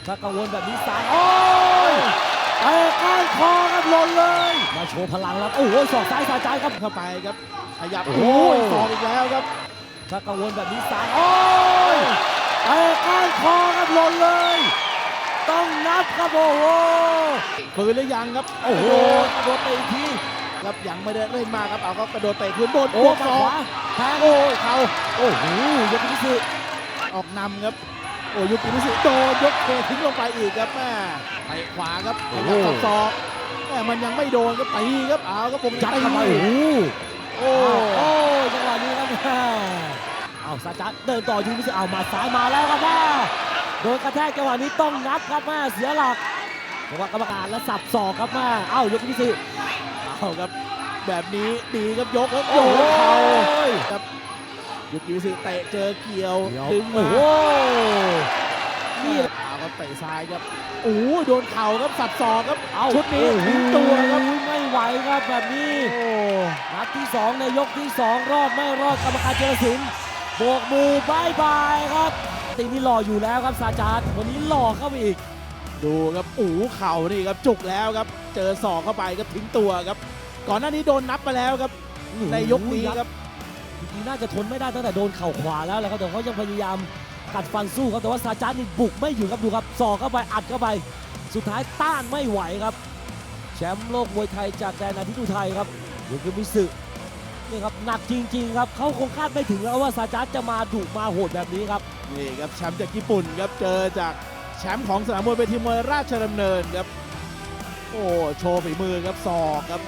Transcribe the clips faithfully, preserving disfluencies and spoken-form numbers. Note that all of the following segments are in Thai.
ถ้ากังวลแบบนี้ซ้ายโอ้ยเตะก้านคอครับหล่นเลยมาโชว์พลังแล้วโอ้โหศอกซ้ายสาใจครับเข้าไปครับขยับโอ้โหโอ้ยสองอีกแล้วครับถ้ากังวลแบบนี้ซ้ายโอ้ยเตะก้านคอครับหล่นเลย ต้องนับครับโอ้โหฝืนหรือยังครับโอ้โหกระโดดเตะอีกทีครับยังไม่ได้เล่นมากครับเอาก็กระโดดเตะคืนบนโอ้บวกมาสอขงวาแทงโอ้ยเข่าโอ้โหยกพิสิทธิ์ออกนำครับโอ้ยุกินิสิโดนยกเททิ้งลงไปอีกครับแม่ไปขวาครับขยับสับศอกแม่มันยังไม่โดนก็ตีครับเอาครับผมยัดตีเข้าไปโอ้โหโอ้โอ้ยจังหวะนี้ครับแม่เอาซาจัดเดินต่อยูมิสึเอามาซ้ายมาแล้วครับแม่โดนกระแทกจังหวะนี้ต้องนับครับแม่เสียหลักจังหวะกรรมการแล้วสับศอกครับแม่เอ้ายกยูมิสึเอาครับแบบนี้ดีครับยกแล้วโอ้โยโหนเข่าครับยุกินิสิเตะเจอเกี่ยวดึงโอ้มาโหนี่เอาครับเตะซ้ายครับโอ้ยโดนเข่าครับสับศอกครับเอาชุดนี้โอ้โหทิ้งตัวครับไม่ไหวครับแบบนี้โอ้นัดที่สองในยกที่สองรอดไม่รอดกรรมการเจรศิลป์โบกมือบายบายครับตีนี่หล่ออยู่แล้วครับซาจาร์วันนี้หล่อเข้าไปอีกดูครับอู๋เข่านี่ครับจุกแล้วครับเจอศอกเข้าไปครับทิ้งตัวครับก่อนหน้านี้โดนนับมาแล้วครับในยกนี้ครับจริงๆน่าจะทนไม่ได้ตั้งแต่โดนเข่าขวาแล้วแหละครับแต่เขายังพยายามกัดฟันสู้ครับแต่ว่าซาจาร์นี่บุกไม่อยู่ครับดูครับศอกเข้าไปอัดเข้าไป สุดท้ายต้านไม่ไหวครับแชมป์โลกมวยไทยจากแดนอาทิตย์อุทัยครับยูกิมิสึนี่ครับหนักจริงๆครับเขาคงคาดไม่ถึงแล้วว่าซาจาร์จะมาดุมาโหดแบบนี้ครับนี่ครับแชมป์จากญี่ปุ่นครับเจอจากแชมป์ของสนามมวยเวทีมวยราชดำเนินครับโอ้โชว์ฝีมือครับศอกครับ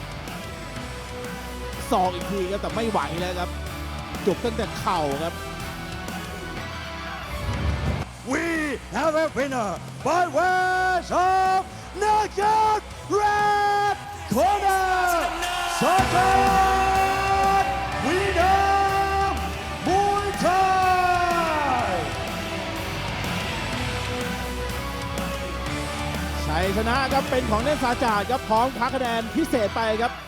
ศอกอีกทีครับแต่ไม่ไหวแล้วครับจุกตั้งแต่เข่าครับ We have a winner by ways of knockout red corner. Satan winner Muay Thai. ชัยชนะครับเป็นของเล่นซาจาดครับพร้อมพักคะแนนพิเศษไปครับ